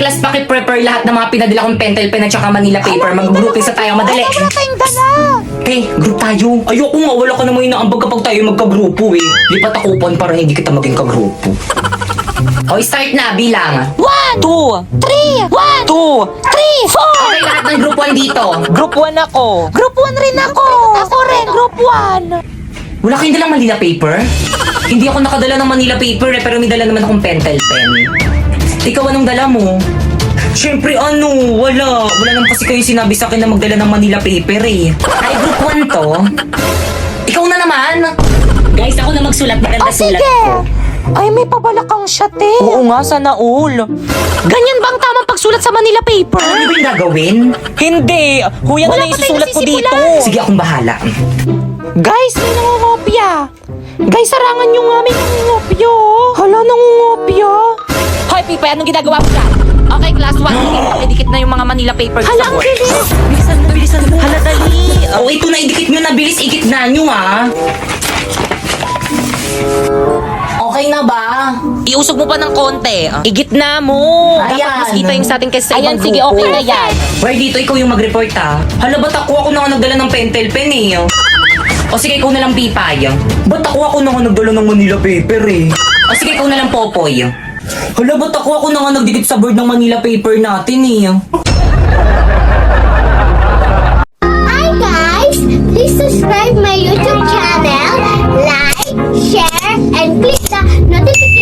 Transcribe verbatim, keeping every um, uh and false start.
class, paki-prepare lahat ng mga pinadala kong pentel pen at saka Manila paper. Mag-grouping sa tayo, madali. Wala tayong dala. Okay, group tayo. Ayoko nga, wala ka namang inaambag kapag tayo magka-grupo eh. Lipat ako upon para hindi kita maging ka-grupo. O, start na, bilang. One, Two. three, one, Two. three, four. Okay, lahat ng group one dito. Group one ako. Group one rin ako. Ako rin, group one. Wala kayong dalang Manila paper? Hindi ako nakadala ng Manila paper eh, pero may dala naman akong pentel pen. Ikaw, anong dala mo? Siyempre ano, wala. Wala naman kasi kayo sinabi sa akin na magdala ng Manila paper eh. Ay, group one to. Ikaw na naman. Guys, ako na magsulat. Maganda O sulat sige. ko. Ay, may pabalakang shot eh. Oo nga, sana all. Ganyan ba ang tamang pagsulat sa Manila paper? Ano ba yung gagawin? Hindi. Huya na Wala lang pa tayong isusulat ko dito. nasisimulan. Sige, akong bahala. Guys, may nangungopia. Guys, sarangan nyo nga, may nangungopia. Hala, nangungopia. Hoy, Pipa, anong ginagawa mo dyan? Okay, class one. Dikit na yung mga Manila papers Hala, sa ang board. bilis. Bilisan mo, bilisan mo. Hala, dali. Oh, ito na, idikit nyo na. Bilis, ikit na nyo ah. Okay na ba? Iusog mo pa ng konti. Igit na mo. Ayan. Dapat mas kita yung sa atin kaysa sa Ayan, ibang sige, grupo. okay na yan. Well, dito ikaw yung mag-report ha. Hala, ba't ako ako na nga nagdala ng pentel pen eh? O sige, ikaw na lang Pipay. Ba't ako ako na nga nagdala ng Manila paper eh? O sige, ikaw na lang Popoy. Hala, ba't ako ako na nga nagdikit sa board ng Manila paper natin eh? Hi guys! Please subscribe my YouTube channel, like, share, and click the notification